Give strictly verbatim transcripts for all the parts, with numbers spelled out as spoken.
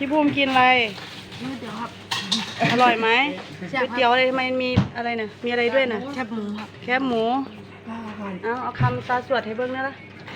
พี่ภูมิกินอะไรก๋วยเตี๋ยวครับอร่อยไหมแซ่ก๋บวยเตี๋ยวอะไรทำไมมีอะไรเนี่ยมีอะไรด้วยน่ะแคบหมูครับแคบหมู เอาเอาคำตาสวดให้เบิ้งนะล่ะ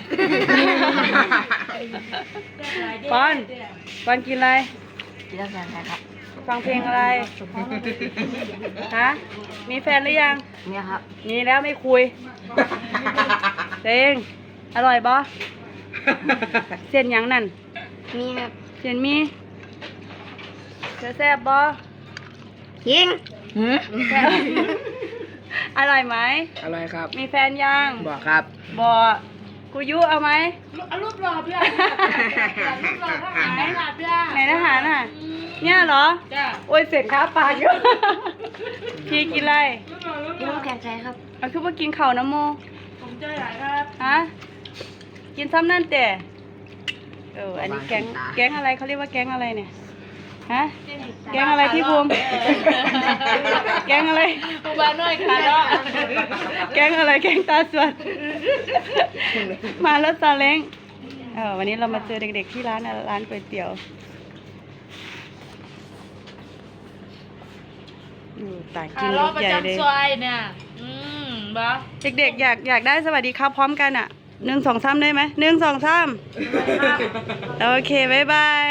ปอนปอนกินอะไรกินแล้วแซ่บครับฟังเพลงอะไร ฮะ มีแฟนหรือยังเนี่ยครับมีแล้วไม่คุยเต็งอร่อยบ่เส้นหยังนั่นมีครับเส้นมีเธอแซ่บบ่ยิงหืมแซ่บอร่อยไหมอร่อยครับมีแฟนยังบอกครับบ่กูยุเอาไหมเอารูปหล่อเพื่อนรูปหล่อทหารไหนล่ะเพื่อนไหนทหารน่ะ เนี่ยเหรอจ้าโอ้ยเสร็จค้าปากอยู่ พี่กินอะไรกินน้ำแข็งใจครับเอาคือว่ากินข้าวน้ำโมผมใจหลายครับฮะ กินซ้ำนั่นแต่เออ อันนี้แก๊ง แก๊งอะไรเขาเรียกว่าแก๊งอะไรเนี่ย ฮะ แก๊งอะไรพี่ภูมิ แก๊งอะไรปูบาน้อยค่ะเนาะแก๊งอะไร แก๊งตาสวด มาแล้วซาเล้งเออวันนี้เรามาเจอเด็กๆที่ร้านอะร้านก๋วยเตี๋ยวอยู่ต่างกินรรอถประใหญ่เลยจำซอยเนี่ยอืมบ้าเด็กๆอยากอยากได้สวัสดีครับพร้อมกันอ่ะหนึ่งสองสามได้ไหมหนึ่งสองสามโอเค บ๊ายบาย